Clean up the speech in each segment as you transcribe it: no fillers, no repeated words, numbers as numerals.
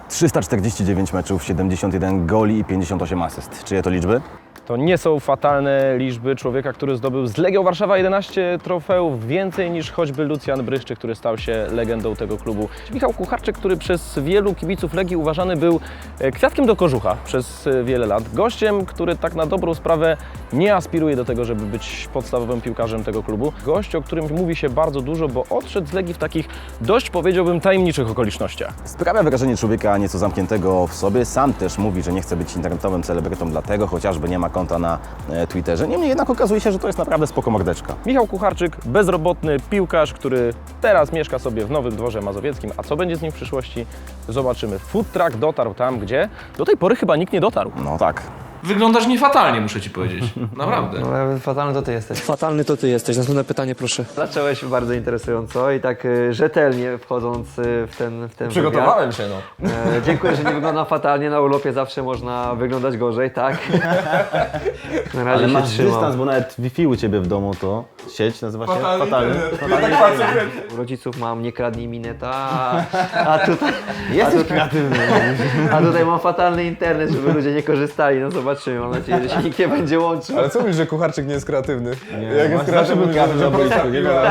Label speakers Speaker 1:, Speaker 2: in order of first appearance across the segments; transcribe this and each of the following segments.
Speaker 1: 349 meczów, 71 goli i 58 asyst. Czyje to liczby?
Speaker 2: To nie są fatalne liczby człowieka, który zdobył z Legią Warszawa 11 trofeów, więcej niż choćby Lucjan Bryszczyk, który stał się legendą tego klubu. Michał Kucharczyk, który przez wielu kibiców Legii uważany był kwiatkiem do kożucha przez wiele lat. Gościem, który tak na dobrą sprawę nie aspiruje do tego, żeby być podstawowym piłkarzem tego klubu. Gość, o którym mówi się bardzo dużo, bo odszedł z Legii w takich dość, powiedziałbym, tajemniczych okolicznościach.
Speaker 1: Sprawia wrażenie człowieka nieco zamkniętego w sobie. Sam też mówi, że nie chce być internetowym celebrytą, dlatego chociażby nie ma konta na Twitterze. Niemniej jednak okazuje się, że to jest naprawdę spoko mordeczka.
Speaker 2: Michał Kucharczyk, bezrobotny piłkarz, który teraz mieszka sobie w Nowym Dworze Mazowieckim. A co będzie z nim w przyszłości? Zobaczymy. Food truck dotarł tam, gdzie do tej pory chyba nikt nie dotarł.
Speaker 1: No tak.
Speaker 3: Wyglądasz niefatalnie, muszę ci powiedzieć. Naprawdę.
Speaker 4: No, ale fatalny to ty jesteś.
Speaker 5: Fatalny to ty jesteś. Następne pytanie, proszę.
Speaker 4: Zacząłeś bardzo interesująco i tak rzetelnie wchodząc w ten
Speaker 2: Przygotowałem się, no.
Speaker 4: wywiad. Dziękuję, że nie wyglądam fatalnie. Na urlopie zawsze można wyglądać gorzej, tak? Na razie
Speaker 1: Ale
Speaker 4: się
Speaker 1: masz
Speaker 4: trzymam.
Speaker 1: dystans, bo nawet Wi-Fi u Ciebie w domu to sieć nazywa się Fatalny.
Speaker 4: U rodziców mam nie kradnij mineta, a tutaj...
Speaker 1: Jesteś kreatywny.
Speaker 4: A tutaj mam fatalny internet, żeby ludzie nie korzystali. No zobaczymy, mam nadzieję, że się nikt nie będzie łączył.
Speaker 6: Ale co mówisz, że Kucharczyk nie jest kreatywny?
Speaker 1: Jak jest kreatywny, na boisku.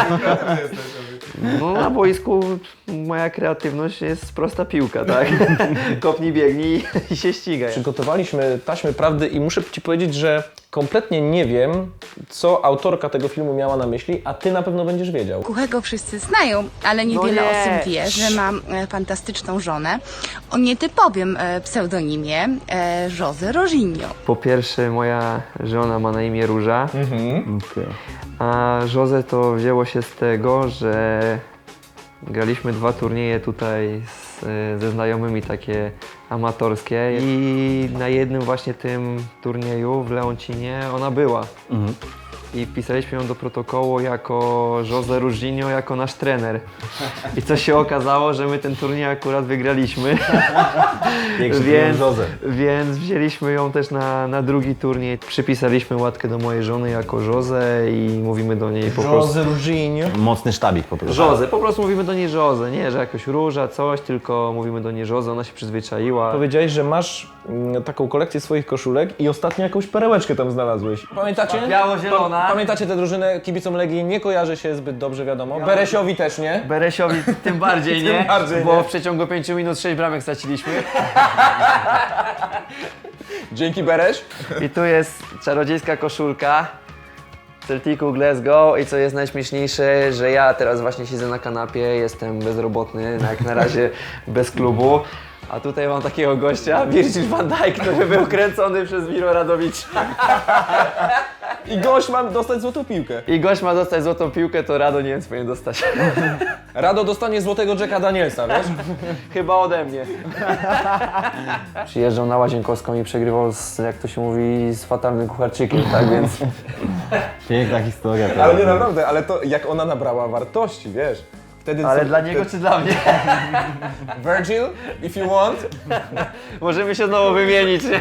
Speaker 4: No na boisku moja kreatywność jest prosta piłka, tak? Kopnij, biegnij i się ścigaj.
Speaker 2: Przygotowaliśmy taśmy prawdy i muszę Ci powiedzieć, że kompletnie nie wiem, co autorka tego filmu miała na myśli, a Ty na pewno będziesz wiedział.
Speaker 7: Kuchego wszyscy znają, ale niewiele
Speaker 4: No nie.
Speaker 7: osób wie, że mam fantastyczną żonę o nietypowym pseudonimie José Roginho.
Speaker 4: Po pierwsze moja żona ma na imię Róża,
Speaker 1: Okay.
Speaker 4: a José to wzięło się z tego, że graliśmy 2 turnieje tutaj ze znajomymi takie amatorskie i na jednym właśnie tym turnieju w Leoncinie ona była. I wpisaliśmy ją do protokołu jako José Roginho, jako nasz trener. I co się okazało, że my ten turniej akurat wygraliśmy. Więc wzięliśmy ją też na drugi turniej. Przypisaliśmy łatkę do mojej żony jako José i mówimy do niej po prostu...
Speaker 2: José Roginho.
Speaker 1: Mocny sztabik po prostu.
Speaker 4: José, po prostu mówimy do niej José, nie, że jakoś Róża, coś, tylko mówimy do niej José, ona się przyzwyczaiła.
Speaker 2: Powiedziałeś, że masz taką kolekcję swoich koszulek i ostatnio jakąś perełeczkę tam znalazłeś. Pamiętacie?
Speaker 4: Biało-zielona.
Speaker 2: Pamiętacie tę drużynę? Kibicom Legii nie kojarzy się zbyt dobrze, wiadomo. Beresiowi też nie.
Speaker 4: Beresiowi tym bardziej, nie?
Speaker 2: Tym bardziej,
Speaker 4: Bo
Speaker 2: nie?
Speaker 4: w przeciągu 5 minut 6 bramek straciliśmy.
Speaker 2: Dzięki, Beresz.
Speaker 4: I tu jest czarodziejska koszulka Celticu Glasgow i co jest najśmieszniejsze, że ja teraz właśnie siedzę na kanapie, jestem bezrobotny, jak na razie bez klubu. A tutaj mam takiego gościa, Virgil van Dijk, który był kręcony przez Miro Radowicza.
Speaker 2: I gość ma dostać złotą piłkę.
Speaker 4: I gość ma dostać złotą piłkę, to Rado nie wiem, co powinien dostać.
Speaker 2: Rado dostanie złotego Jacka Danielsa, wiesz?
Speaker 4: Chyba ode mnie. Przyjeżdżał na Łazienkowską i przegrywał z, jak to się mówi, z fatalnym Kucharczykiem, tak więc...
Speaker 1: Piękna historia.
Speaker 6: Ale nie naprawdę, ale to jak ona nabrała wartości, wiesz? Wtedy
Speaker 4: Ale dla niego czy dla mnie?
Speaker 6: Virgil, if you want.
Speaker 4: Możemy się znowu wymienić, nie?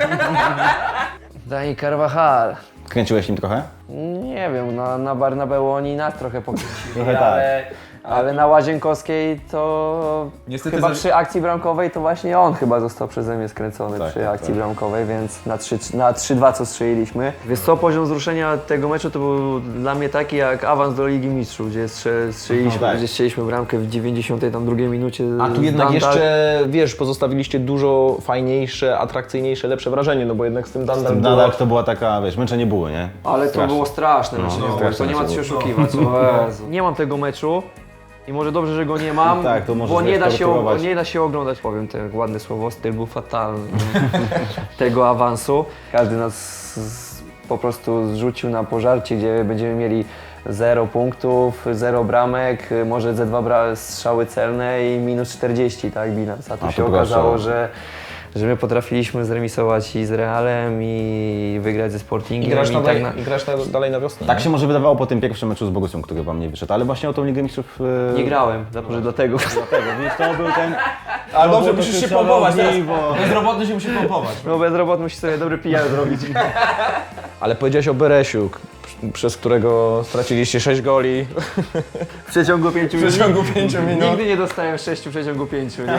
Speaker 4: Dani Carvajal.
Speaker 1: Kręciłeś nim trochę?
Speaker 4: Nie wiem, na Barnabeu oni nas trochę pokręcili,
Speaker 1: Trochę
Speaker 4: ale na Łazienkowskiej to
Speaker 6: Niestety
Speaker 4: chyba przy akcji bramkowej to właśnie on chyba został przeze mnie skręcony
Speaker 1: Tak,
Speaker 4: przy
Speaker 1: tak,
Speaker 4: akcji
Speaker 1: tak.
Speaker 4: bramkowej, więc na 3-2 co strzeliliśmy. Wiesz co, poziom wzruszenia tego meczu to był dla mnie taki jak awans do Ligi Mistrzów, gdzie strzeliśmy,
Speaker 1: No tak.
Speaker 4: gdzie strzeliśmy bramkę w 92 minucie.
Speaker 2: A tu jednak
Speaker 4: Dandal.
Speaker 2: jeszcze, wiesz, pozostawiliście dużo fajniejsze, atrakcyjniejsze, lepsze wrażenie, no bo jednak z tym Dandal było...
Speaker 1: Nadal to była taka, wiesz, męczenie buły, nie?
Speaker 4: Ale to
Speaker 1: Straszne.
Speaker 4: było straszne,
Speaker 1: No,
Speaker 4: no,
Speaker 1: straszne
Speaker 4: to nie ma co się
Speaker 1: było.
Speaker 4: oszukiwać. O Jezu. Nie mam tego meczu i może dobrze, że go nie mam,
Speaker 1: Tak, to może
Speaker 4: bo nie da, się,
Speaker 1: zreportować.
Speaker 4: nie da się oglądać. Powiem te ładne słowo, styl był fatalny tego awansu. Każdy nas po prostu zrzucił na pożarcie, gdzie będziemy mieli 0 punktów, 0 bramek, może ze 2 strzały celne i minus 40, tak, bilans. A tu
Speaker 1: A
Speaker 4: się
Speaker 1: to
Speaker 4: okazało,
Speaker 1: proszę.
Speaker 4: że my potrafiliśmy zremisować i z Realem i wygrać ze Sportingiem.
Speaker 2: I grasz, dalej na wiosnę.
Speaker 1: Tak się może wydawało po tym pierwszym meczu z Bogusią, który wam nie wyszedł, ale właśnie o tą Ligę Mistrzów...
Speaker 4: Nie grałem, może dlatego.
Speaker 1: Wiesz, to był ten...
Speaker 6: Ale dobrze, musisz się pompować teraz.
Speaker 1: bo...
Speaker 6: Bezrobotny się musi pompować.
Speaker 4: No bezrobotny musi sobie dobry PR zrobić.
Speaker 3: Ale powiedziałeś o Beresiu, przez którego straciliście 6 goli.
Speaker 4: W przeciągu 5 minut.
Speaker 6: W przeciągu 5 minut.
Speaker 4: Nigdy nie dostałem 6 w przeciągu 5, nie?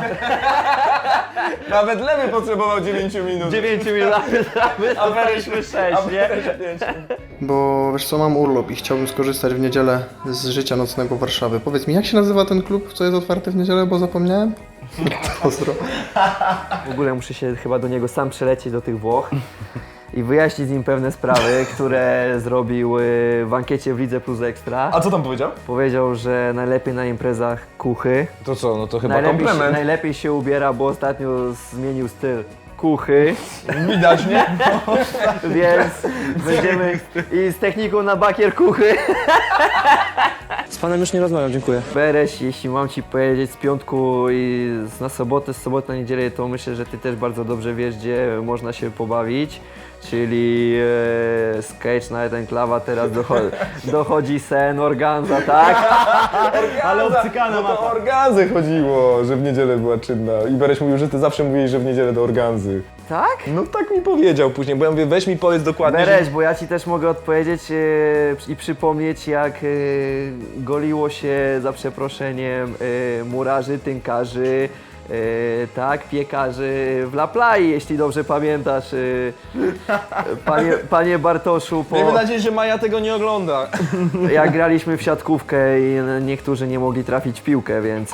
Speaker 6: Nawet Lewy potrzebował 9 minut.
Speaker 4: 9 minut, a byliśmy 6, nie?
Speaker 8: Bo wiesz co, mam urlop i chciałbym skorzystać w niedzielę z życia nocnego Warszawy. Powiedz mi, jak się nazywa ten klub, co jest otwarty w niedzielę, bo zapomniałem? Pozdro.
Speaker 4: W ogóle muszę się chyba do niego sam przelecieć do tych Włoch i wyjaśnić z nim pewne sprawy, które zrobił w ankiecie w Lidze Plus Ekstra.
Speaker 6: A co tam powiedział?
Speaker 4: Powiedział, że najlepiej na imprezach kuchy.
Speaker 6: To co, no to chyba
Speaker 4: Najlepiej
Speaker 6: komplement.
Speaker 4: najlepiej się ubiera, bo ostatnio zmienił styl kuchy,
Speaker 6: Widać, nie?
Speaker 4: więc będziemy i z techniką na bakier kuchy.
Speaker 5: Z panem już nie rozmawiam, dziękuję.
Speaker 4: Bereś, jeśli mam ci powiedzieć z piątku i na sobotę, z soboty na niedzielę, to myślę, że ty też bardzo dobrze wiesz, gdzie można się pobawić. Czyli Sketch Night and Klawa, teraz dochodzi sen, organza, tak?
Speaker 6: Ale obcykana no to o organzę chodziło, że w niedzielę była czynna. I Bereś mówił, że ty zawsze mówiłeś, że w niedzielę do organzy.
Speaker 4: Tak?
Speaker 6: No tak mi powiedział później, bo ja mówię, weź mi powiedz dokładnie,
Speaker 4: Bereś, bo ja ci też mogę odpowiedzieć i przypomnieć, jak goliło się, za przeproszeniem, murarzy, tynkarzy, tak, piekarzy w La Plai, jeśli dobrze pamiętasz, panie Bartoszu,
Speaker 6: Miejmy nadzieję, że Maja tego nie ogląda.
Speaker 4: jak graliśmy w siatkówkę i niektórzy nie mogli trafić w piłkę, więc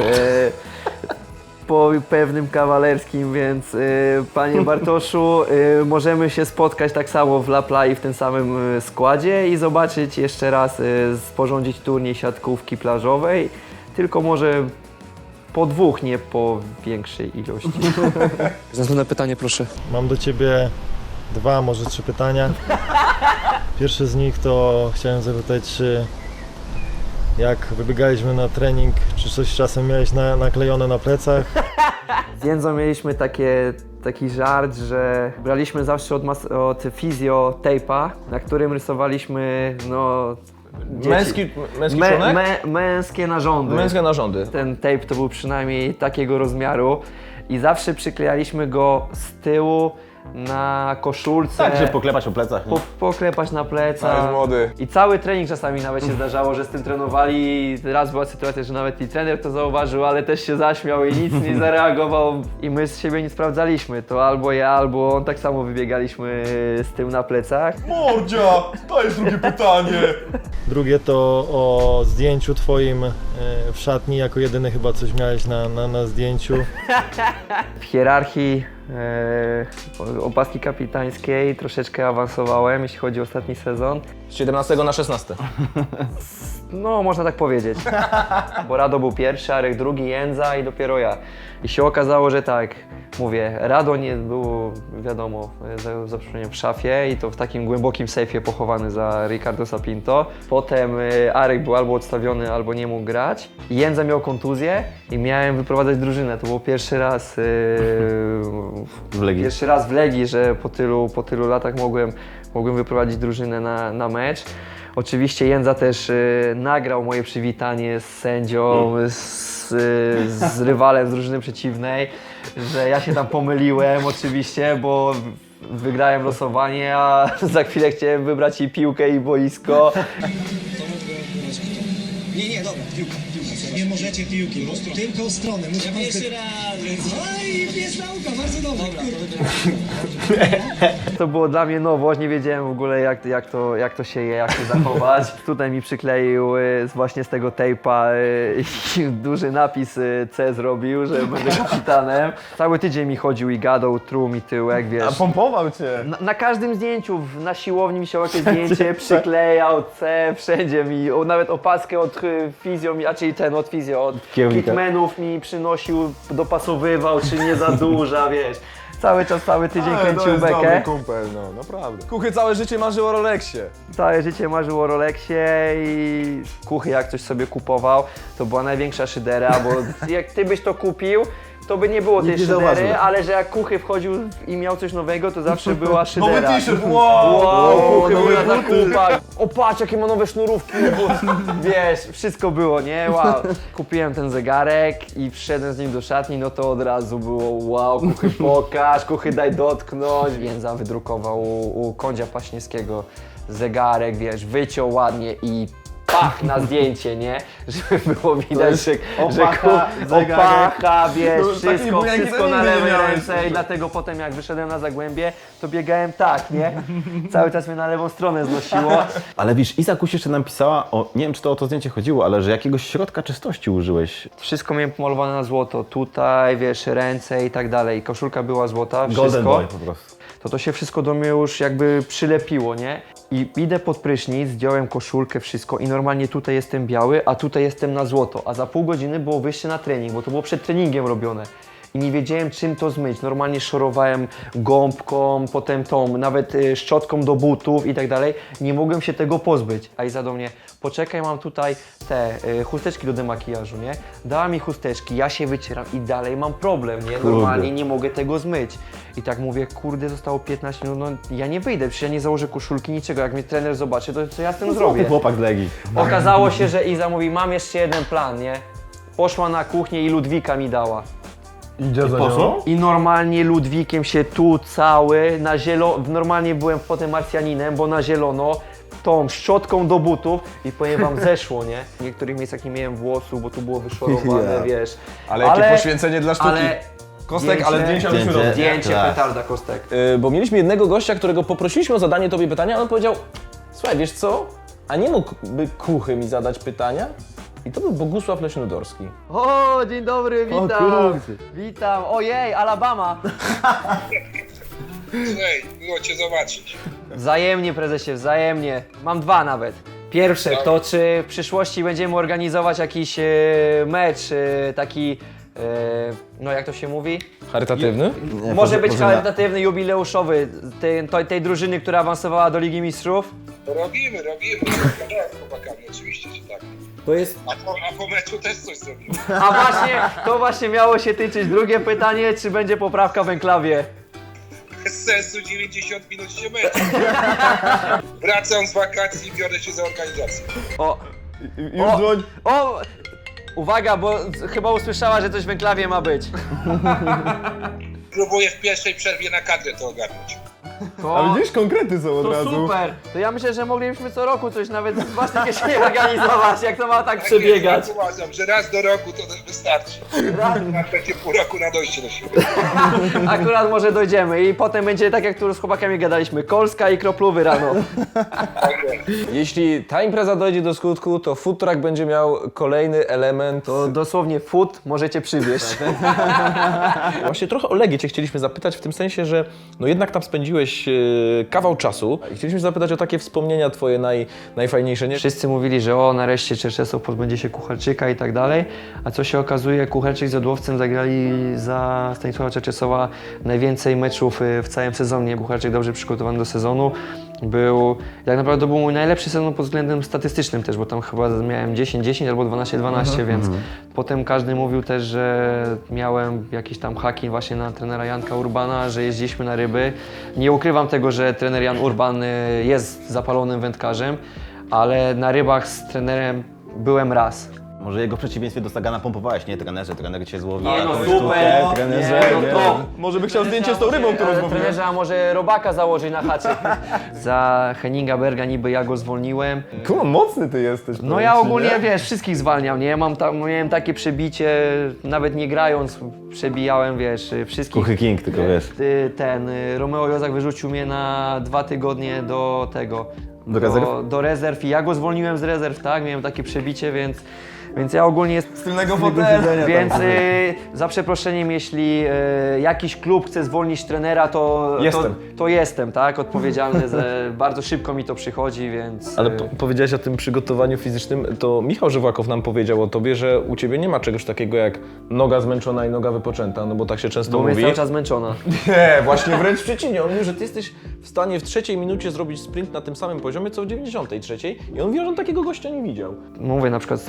Speaker 4: po pewnym kawalerskim, więc panie Bartoszu, możemy się spotkać tak samo w La Plai w tym samym składzie i zobaczyć jeszcze raz, sporządzić turniej siatkówki plażowej, tylko może po dwóch, nie po większej ilości.
Speaker 5: Następne pytanie, proszę.
Speaker 9: Mam do Ciebie 2, może 3 pytania. Pierwsze z nich to chciałem zapytać, czy jak wybiegaliśmy na trening, czy coś czasem miałeś naklejone na plecach?
Speaker 4: Z Jędzą mieliśmy taki żart, że braliśmy zawsze od fizjo tape'a, na którym rysowaliśmy dzieci.
Speaker 6: Męski członek?
Speaker 4: Męskie narządy.
Speaker 6: Męskie narządy.
Speaker 4: Ten tape to był przynajmniej takiego rozmiaru i zawsze przyklejaliśmy go z tyłu na koszulce.
Speaker 1: Tak, żeby poklepać po plecach. Nie?
Speaker 4: Poklepać na plecach.
Speaker 6: Ale jest młody.
Speaker 4: I cały trening czasami nawet się zdarzało, że z tym trenowali. Raz była sytuacja, że nawet i trener to zauważył, ale też się zaśmiał i nic nie zareagował. I my z siebie nie sprawdzaliśmy. To albo ja, albo on tak samo wybiegaliśmy z tym na plecach.
Speaker 6: Mordzia, to jest drugie pytanie.
Speaker 9: Drugie to o zdjęciu Twoim w szatni, jako jedyny chyba coś miałeś na zdjęciu.
Speaker 4: W hierarchii opaski kapitańskiej troszeczkę awansowałem, jeśli chodzi o ostatni sezon.
Speaker 6: Z 17 na 16.
Speaker 4: No, można tak powiedzieć. Bo Rado był pierwszy, Arek drugi, Jędza i dopiero ja. I się okazało, że tak, mówię, Rado nie było, wiadomo, za przeproszeniem w szafie i to w takim głębokim sejfie pochowany za Ricardo Sapinto. Potem Arek był albo odstawiony, albo nie mógł grać. Jędza miał kontuzję i miałem wyprowadzać drużynę. To był pierwszy raz
Speaker 1: W Legii.
Speaker 4: Pierwszy raz w Legii, że po tylu latach mogłem wyprowadzić drużynę na mecz. Oczywiście Jędza też nagrał moje przywitanie z sędzią, z rywalem z drużyny przeciwnej, że ja się tam pomyliłem oczywiście, bo wygrałem losowanie, a za chwilę chciałem wybrać i piłkę, i boisko.
Speaker 10: Nie, dobra, piłka. Nie możecie piłki, po prostu tylko stronę. Muszę pan jeszcze raz. Oj, pies nauka, bardzo dobrze.
Speaker 4: To było dla mnie nowość, nie wiedziałem w ogóle jak to się je, jak się zachować. Tutaj mi przykleił właśnie z tego tape'a duży napis C zrobił, że będę kapitanem. Cały tydzień mi chodził i gadał, truł mi tyłek, wiesz.
Speaker 6: A pompował cię.
Speaker 4: Na każdym zdjęciu, na siłowni mi się jakieś zdjęcie przyklejał, C, wszędzie mi, nawet opaskę od fizjo, czyli ten od fizjo, od kitmenów mi przynosił, dopasowywał, czy nie za duża, wiesz. Cały czas, cały tydzień kręcił bekę.
Speaker 6: Dobry kumpel, no naprawdę. Kuchy całe życie marzył o Rolexie.
Speaker 4: Całe życie marzył o Rolexie i Kuchy jak coś sobie kupował, to była największa szydera, bo jak ty byś to kupił, to by nie było tej
Speaker 1: Nikt nie
Speaker 4: szydery,
Speaker 1: zauważył.
Speaker 4: ale że jak Kuchy wchodził i miał coś nowego, to zawsze była szydera.
Speaker 6: Nowy t-shirt, wow!
Speaker 4: Kuchy był na zakupach. O patrz, jakie ma nowe sznurówki. Wiesz, wszystko było, nie? Wow. Kupiłem ten zegarek i wszedłem z nim do szatni, no to od razu było wow, Kuchy pokaż, Kuchy daj dotknąć. Jędza wydrukował u Kondzia Paśniewskiego zegarek, wiesz, wyciął ładnie i pach na zdjęcie, nie? Żeby było widać, że opacha, wiesz, wszystko na lewej ręce i dlatego potem jak wyszedłem na Zagłębie, to biegałem tak, nie? Cały czas mnie na lewą stronę znosiło.
Speaker 1: Ale wiesz, Iza Kuś jeszcze nam pisała, nie wiem czy to o to zdjęcie chodziło, ale że jakiegoś środka czystości użyłeś.
Speaker 4: Wszystko miałem pomalowane na złoto, tutaj, wiesz, ręce i tak dalej. Koszulka była złota, wszystko.
Speaker 1: Golden Boy po prostu.
Speaker 4: To się wszystko do mnie już jakby przylepiło, nie? I idę pod prysznic, zdjąłem koszulkę, wszystko i normalnie tutaj jestem biały, a tutaj jestem na złoto. A za pół godziny było wyjście na trening, bo to było przed treningiem robione. I nie wiedziałem czym to zmyć. Normalnie szorowałem gąbką, potem tą, nawet szczotką do butów i tak dalej. Nie mogłem się tego pozbyć. A Iza do mnie, poczekaj, mam tutaj te chusteczki do demakijażu, nie? Dała mi chusteczki, ja się wycieram i dalej mam problem, nie? Normalnie nie mogę tego zmyć. I tak mówię, kurde, zostało 15 minut, no ja nie wyjdę, przecież ja nie założę koszulki, niczego. Jak mnie trener zobaczy, to co ja z tym zrobię?
Speaker 1: Chłopak z Legii.
Speaker 4: Okazało się, że Iza mówi, mam jeszcze jeden plan, nie? Poszła na kuchnię i Ludwika mi dała.
Speaker 6: Idzie za nią?
Speaker 4: I normalnie Ludwikiem się tu cały, na zielono, normalnie byłem potem Marsjaninem, bo na zielono, tą szczotką do butów i powiem wam, zeszło, nie? W niektórych miejscach nie miałem włosów, bo tu było wyszorowane, wiesz.
Speaker 6: Ale jakie poświęcenie dla sztuki.
Speaker 4: Ale
Speaker 6: Kostek, ale zdjęcia byśmy robili.
Speaker 4: zdjęcie
Speaker 1: Tak.
Speaker 4: petarda, Kostek.
Speaker 2: Bo mieliśmy jednego gościa, którego poprosiliśmy o zadanie tobie pytania, a on powiedział, słuchaj, wiesz co, a nie mógłby Kuchy mi zadać pytania? I to był Bogusław Leśnodorski.
Speaker 4: O, dzień dobry, witam. Witam. Ojej, Alabama.
Speaker 11: Hej, miło Cię zobaczyć.
Speaker 4: Wzajemnie, prezesie, wzajemnie. Mam dwa nawet. Pierwsze, to czy w przyszłości będziemy organizować jakiś mecz, taki, no jak to się mówi?
Speaker 2: Charytatywny?
Speaker 4: Może być charytatywny, jubileuszowy, tej drużyny, która awansowała do Ligi Mistrzów.
Speaker 11: Robimy. Z chłopakami, oczywiście, że tak.
Speaker 4: To jest...
Speaker 11: A po meczu też coś zrobimy.
Speaker 4: A właśnie, to właśnie miało się tyczyć. Drugie pytanie, czy będzie poprawka w enklawie?
Speaker 11: Bez sensu 90 minut się mecz. Wracam z wakacji i biorę się za organizację.
Speaker 6: Już dzwoń.
Speaker 4: O! Uwaga, bo chyba usłyszała, że coś w enklawie ma być.
Speaker 11: Próbuję w pierwszej przerwie na kadrę to ogarnąć.
Speaker 6: A widzisz, konkrety są od
Speaker 4: To
Speaker 6: razu.
Speaker 4: super! To ja myślę, że moglibyśmy co roku coś nawet z własnej kieszeni organizować, jak to ma tak przebiegać.
Speaker 11: Ja uważam, że raz do roku to wystarczy. Na trzecie pół roku na dojście do siebie.
Speaker 4: Akurat może dojdziemy i potem będzie tak, jak tu z chłopakami gadaliśmy, Kolska i Kroplowy rano.
Speaker 2: Jeśli ta impreza dojdzie do skutku, to food truck będzie miał kolejny element.
Speaker 4: To dosłownie food możecie przywieźć.
Speaker 2: Właśnie trochę o Legię Cię chcieliśmy zapytać w tym sensie, że no jednak tam spędziłeś kawał czasu. I chcieliśmy zapytać o takie wspomnienia Twoje najfajniejsze, nie?
Speaker 4: Wszyscy mówili, że o, nareszcie Czerczesów pozbędzie się Kucharczyka i tak dalej, a co się okazuje, Kucharczyk z Jodłowcem zagrali za Stanisława Czerczesowa najwięcej meczów w całym sezonie. Kucharczyk dobrze przygotowany do sezonu. Tak naprawdę to był mój najlepszy sezon pod względem statystycznym też, bo tam chyba miałem 10-10 albo 12-12, więc potem każdy mówił też, że miałem jakieś tam haki właśnie na trenera Janka Urbana, że jeździliśmy na ryby. Nie ukrywam tego, że trener Jan Urban jest zapalonym wędkarzem, ale na rybach z trenerem byłem raz.
Speaker 1: Może jego w przeciwieństwie do Sagana pompowałeś, nie? Trener cię złowił.
Speaker 4: Nie no,
Speaker 1: jakąś
Speaker 4: super!
Speaker 1: sztukę, trenerze,
Speaker 4: Nie, no to...
Speaker 6: Może by chciał zdjęcie z tą rybą, którą złowiłem.
Speaker 4: Trenerze, a może robaka założyć na haczyk. Za Henninga Berga niby ja go zwolniłem.
Speaker 6: Kurwa, mocny ty jesteś.
Speaker 4: No
Speaker 6: powiem
Speaker 4: ja
Speaker 6: ci,
Speaker 4: ogólnie,
Speaker 6: nie?
Speaker 4: wiesz, wszystkich zwalniam, nie? Miałem takie przebicie, nawet nie grając, przebijałem, wiesz, wszystkich.
Speaker 1: Kuchy King, tylko wiesz.
Speaker 4: Romeo Jozak wyrzucił mnie na 2 tygodnie do tego.
Speaker 1: Do rezerw?
Speaker 4: Do rezerw i ja go zwolniłem z rezerw, tak? Miałem takie przebicie, więc ja ogólnie...
Speaker 6: Z tylnego fotela.
Speaker 4: Więc za przeproszeniem, jeśli jakiś klub chce zwolnić trenera, to jestem, tak? Odpowiedzialny, bardzo szybko mi to przychodzi, więc...
Speaker 2: Ale powiedziałeś o tym przygotowaniu fizycznym, to Michał Żywłakow nam powiedział o Tobie, że u Ciebie nie ma czegoś takiego jak noga zmęczona i noga wypoczęta, no bo tak się często
Speaker 4: Bo
Speaker 2: mówi.
Speaker 4: jest cały czas zmęczona.
Speaker 6: Nie, właśnie wręcz
Speaker 2: Przeciwnie, on mówi, że Ty jesteś w stanie w 3 minucie zrobić sprint na tym samym poziomie, co w 93 i on mówi, że on takiego gościa nie widział.
Speaker 4: Mówię, na przykład Stanisław Czerczesów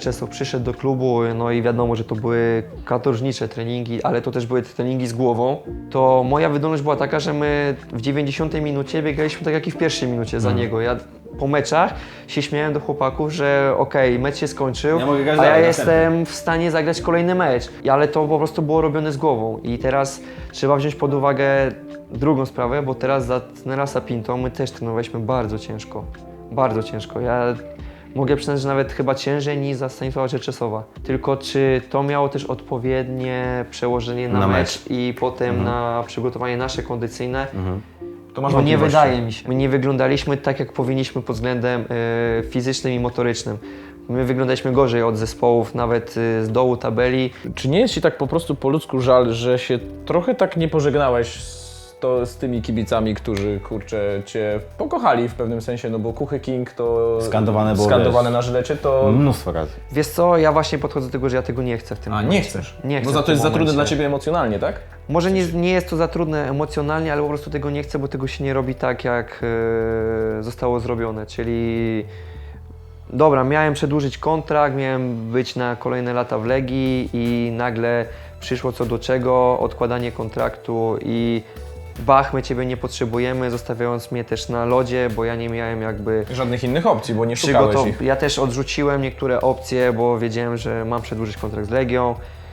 Speaker 4: Czesław przyszedł do klubu, no i wiadomo, że to były katorżnicze treningi, ale to też były treningi z głową, to moja wydolność była taka, że my w 90 minucie biegaliśmy tak jak i w pierwszej minucie za niego. Ja po meczach się śmiałem do chłopaków, że okej, mecz się skończył, a ja jestem w stanie zagrać kolejny mecz. Ale to po prostu było robione z głową i teraz trzeba wziąć pod uwagę drugą sprawę, bo teraz za trenera Sapinto my też trenowaliśmy bardzo ciężko. Bardzo ciężko. Ja mogę przyznać, że nawet chyba ciężej niż za Stanisława Czerczesowa. Tylko czy to miało też odpowiednie przełożenie na mecz i potem na przygotowanie nasze kondycyjne?
Speaker 3: To masz
Speaker 4: No nie
Speaker 3: wątpliwości.
Speaker 4: wydaje mi się. My nie wyglądaliśmy tak, jak powinniśmy pod względem fizycznym i motorycznym. My wyglądaliśmy gorzej od zespołów, nawet z dołu tabeli.
Speaker 2: Czy nie jest Ci tak po prostu po ludzku żal, że się trochę tak nie pożegnałeś z tymi kibicami, którzy, kurczę, Cię pokochali w pewnym sensie, no bo Kuchy King to
Speaker 1: Skandowane było,
Speaker 2: skandowane na żylecie, to...
Speaker 1: Mnóstwo razy.
Speaker 4: Wiesz co, ja właśnie podchodzę do tego, że ja tego nie chcę w tym
Speaker 2: A,
Speaker 4: momencie.
Speaker 2: nie chcesz?
Speaker 4: Nie chcę
Speaker 2: Bo
Speaker 4: w
Speaker 2: za to
Speaker 4: tym
Speaker 2: jest za trudne
Speaker 4: momencie.
Speaker 2: dla Ciebie emocjonalnie, tak?
Speaker 4: Może nie jest to za trudne emocjonalnie, ale po prostu tego nie chcę, bo tego się nie robi tak, jak zostało zrobione, czyli dobra, miałem przedłużyć kontrakt, miałem być na kolejne lata w Legii i nagle przyszło co do czego, odkładanie kontraktu i bach, my Ciebie nie potrzebujemy, zostawiając mnie też na lodzie, bo ja nie miałem jakby
Speaker 2: Żadnych innych opcji, bo nie szukałeś ich.
Speaker 4: Ja też odrzuciłem niektóre opcje, bo wiedziałem, że mam przedłużyć kontrakt z Legią.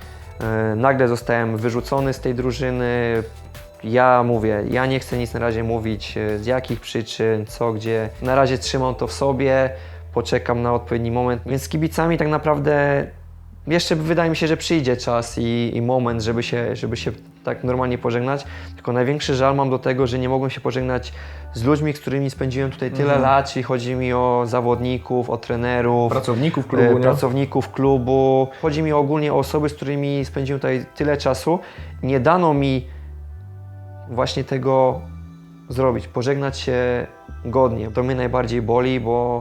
Speaker 4: Nagle zostałem wyrzucony z tej drużyny. Ja mówię, ja nie chcę nic na razie mówić, z jakich przyczyn, co, gdzie. Na razie trzymam to w sobie, poczekam na odpowiedni moment. Więc z kibicami tak naprawdę jeszcze wydaje mi się, że przyjdzie czas i moment, żeby się tak normalnie pożegnać. Tylko największy żal mam do tego, że nie mogłem się pożegnać z ludźmi, z którymi spędziłem tutaj tyle lat, czyli chodzi mi o zawodników, o trenerów,
Speaker 2: Pracowników klubu, nie?
Speaker 4: pracowników klubu. Chodzi mi ogólnie o osoby, z którymi spędziłem tutaj tyle czasu. Nie dano mi właśnie tego zrobić, pożegnać się godnie. To mnie najbardziej boli, bo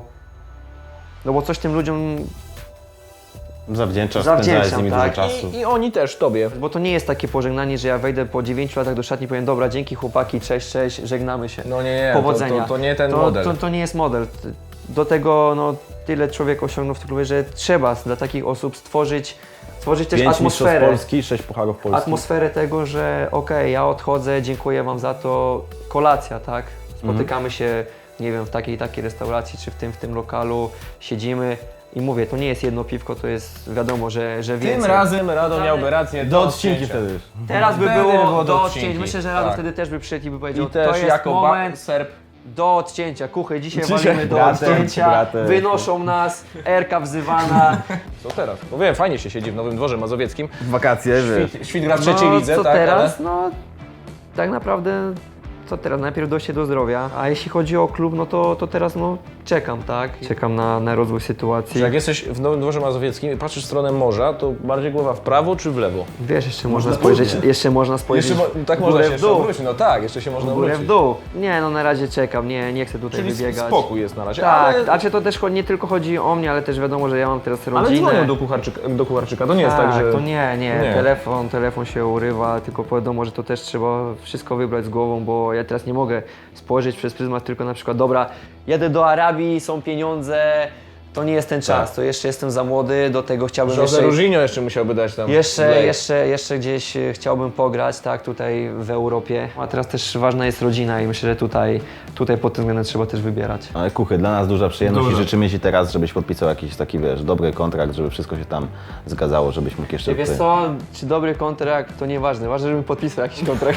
Speaker 4: coś tym ludziom
Speaker 1: Zawdzięczasz, spędzałeś z nimi dużo
Speaker 4: tak.
Speaker 1: czasu.
Speaker 2: I oni też Tobie.
Speaker 4: Bo to nie jest takie pożegnanie, że ja wejdę po 9 latach do szatni i powiem dobra, dzięki chłopaki, cześć, cześć, żegnamy się.
Speaker 2: No nie,
Speaker 4: Powodzenia.
Speaker 2: to nie ten model.
Speaker 4: To nie jest model. Do tego no, tyle człowiek osiągnął w tym klubie, że trzeba dla takich osób stworzyć też
Speaker 1: 5 mistrzostw
Speaker 4: atmosferę.
Speaker 1: Polski, 6 pucharów Polski.
Speaker 4: Atmosferę tego, że okej, ja odchodzę, dziękuję Wam za to, kolacja, tak? Spotykamy się, nie wiem, w takiej restauracji, czy w tym lokalu, siedzimy i mówię, to nie jest jedno piwko, to jest wiadomo, że więcej.
Speaker 2: Tym razem Rado miałby rację
Speaker 1: Do odcinki wtedy już.
Speaker 4: Teraz by
Speaker 2: Wtedy
Speaker 4: było do
Speaker 2: odcinki.
Speaker 4: odcięć. Myślę, że Rado
Speaker 2: Tak.
Speaker 4: wtedy też by przyszedł i by powiedział,
Speaker 2: I też
Speaker 4: to jest
Speaker 2: jako
Speaker 4: moment
Speaker 2: Serb.
Speaker 4: do odcięcia. Kuchy, dzisiaj
Speaker 1: Dzisiaj
Speaker 4: walimy do
Speaker 1: bratem,
Speaker 4: odcięcia,
Speaker 1: bratem.
Speaker 4: wynoszą nas, Erka wzywana.
Speaker 2: Co teraz? No wiem, fajnie się siedzi w Nowym Dworze Mazowieckim.
Speaker 1: W wakacje, wiesz.
Speaker 2: Świt gra w trzeciej lidze,
Speaker 4: co
Speaker 2: tak?
Speaker 4: teraz? No, tak naprawdę, co teraz? Najpierw dojście do zdrowia, a jeśli chodzi o klub, no to teraz no, czekam, tak? Czekam na rozwój sytuacji.
Speaker 2: Jak jesteś w Nowym Dworze Mazowieckim i patrzysz w stronę morza, to bardziej głowa w prawo czy w lewo?
Speaker 4: Wiesz, jeszcze można spojrzeć,
Speaker 2: Tak
Speaker 4: w
Speaker 2: można
Speaker 4: górę,
Speaker 2: się
Speaker 4: w
Speaker 2: jeszcze
Speaker 4: dół.
Speaker 2: obrócić, no tak, jeszcze się można
Speaker 4: W górę, w
Speaker 2: obrócić.
Speaker 4: dół. Nie, no na razie czekam, nie chcę tutaj
Speaker 2: Czyli
Speaker 4: wybiegać.
Speaker 2: spokój jest na razie,
Speaker 4: Tak,
Speaker 2: ale...
Speaker 4: znaczy to też nie tylko chodzi o mnie, ale też wiadomo, że ja mam teraz rodzinę.
Speaker 2: Ale dzwonią do Kucharczyka, to nie jest tak, że...
Speaker 4: To nie. Telefon się urywa, tylko wiadomo, że to też trzeba wszystko wybrać z głową, bo ja teraz nie mogę spojrzeć przez pryzmat tylko na przykład, dobra, jadę do Arabii, są pieniądze, to nie jest ten czas, to jeszcze jestem za młody, do tego chciałbym
Speaker 2: Jose Różinio jeszcze musiałby dać tam...
Speaker 4: jeszcze gdzieś chciałbym pograć, tak, tutaj w Europie. A teraz też ważna jest rodzina i myślę, że tutaj pod tym względem trzeba też wybierać.
Speaker 1: Ale Kuchy, dla nas duża przyjemność i życzymy Ci teraz, żebyś podpisał jakiś taki, wiesz, dobry kontrakt, żeby wszystko się tam zgadzało, żebyś mógł jeszcze...
Speaker 4: Wiesz co, czy dobry kontrakt, to nieważne, ważne, żebym podpisał jakiś kontrakt.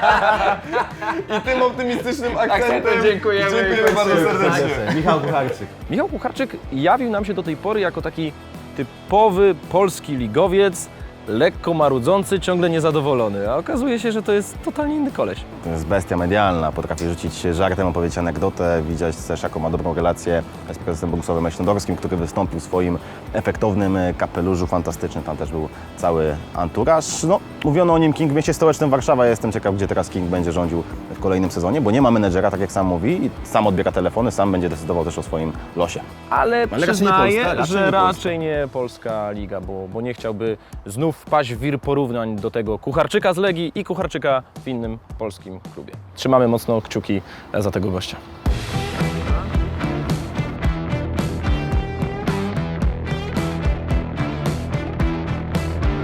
Speaker 6: I tym optymistycznym akcentem
Speaker 4: dziękujemy
Speaker 6: bardzo serdecznie.
Speaker 1: Michał Kucharczyk.
Speaker 2: Michał Kucharczyk jawił nam się do tej pory jako taki typowy polski ligowiec, lekko marudzący, ciągle niezadowolony, a okazuje się, że to jest totalnie inny koleś.
Speaker 1: To jest bestia medialna, potrafi rzucić żartem, opowiedzieć anegdotę, widzieć też jaką ma dobrą relację z prezesem Bogusławem Leśnodorskim, który wystąpił w swoim efektownym kapeluszu, fantastyczny, tam też był cały anturaż. No, mówiono o nim King w mieście stołecznym Warszawa, ja jestem ciekaw, gdzie teraz King będzie rządził w kolejnym sezonie, bo nie ma menedżera, tak jak sam mówi, i sam odbiera telefony, sam będzie decydował też o swoim losie.
Speaker 2: Ale
Speaker 1: raczej nie
Speaker 2: przyznaję,
Speaker 1: Polska,
Speaker 2: że
Speaker 1: Polska.
Speaker 2: raczej nie polska liga, bo nie chciałby znów wpaść w wir porównań do tego Kucharczyka z Legii i Kucharczyka w innym polskim klubie. Trzymamy mocno kciuki za tego gościa.